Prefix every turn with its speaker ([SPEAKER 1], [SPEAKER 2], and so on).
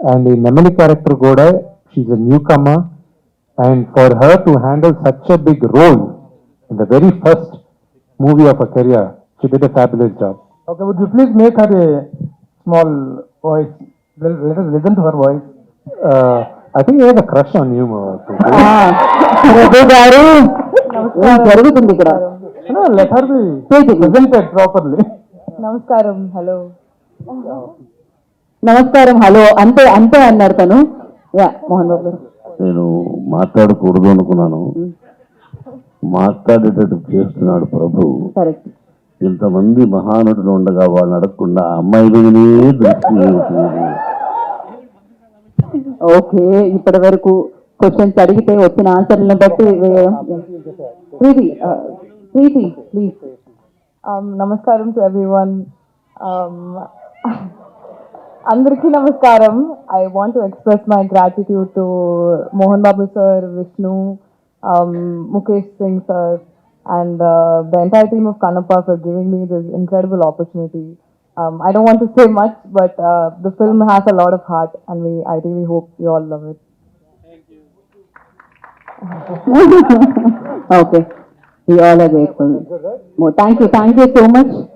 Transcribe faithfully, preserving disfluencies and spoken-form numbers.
[SPEAKER 1] And the Nemali character Goda, she's a newcomer, and for her to handle such a big role in the very first movie of her career, she did a fabulous job.
[SPEAKER 2] Okay, would you please make her a small voice? Let, let us listen to her voice.
[SPEAKER 1] Uh, I think he has a crush on you, uh, Preeti.
[SPEAKER 3] Raghu గారు ఏం జరుగుతుంది ఇక్కడ
[SPEAKER 2] No, let her be presented properly.
[SPEAKER 4] నమస్కారం hello
[SPEAKER 3] నమస్కారం hello అంతే అంతే అన్నారు తను యా మోహన్ బాబు గారు
[SPEAKER 5] నేను మాట్లాడకూడదు అనుకున్నాను, మాట్లాడేటట్టు చేస్తున్నాడు ప్రభు.
[SPEAKER 3] కరెక్ట్
[SPEAKER 5] ఇంతమంది మహానటులు ఉండగా వాళ్ళని అడగకుండా ఆ అమ్మాయి మీదనే దృష్టి ఉంటుంది.
[SPEAKER 3] ఓకే ఇప్పటి వరకు క్వశ్చన్స్ అడిగితే వచ్చిన ఆన్సర్లను బట్టి వేయడం Preethi Preethi please
[SPEAKER 4] namaskaram to everyone. అందరికీ నమస్కారం. I want to express my gratitude to Mohan Babu sir, Vishnu, Mukesh Singh sir, and uh, the entire team of Kannappa for giving me this incredible opportunity. Um, I don't want to say much, but uh, the film has a lot of heart, and we I really hope you all love it.
[SPEAKER 3] Okay we all are grateful thank you thank you so much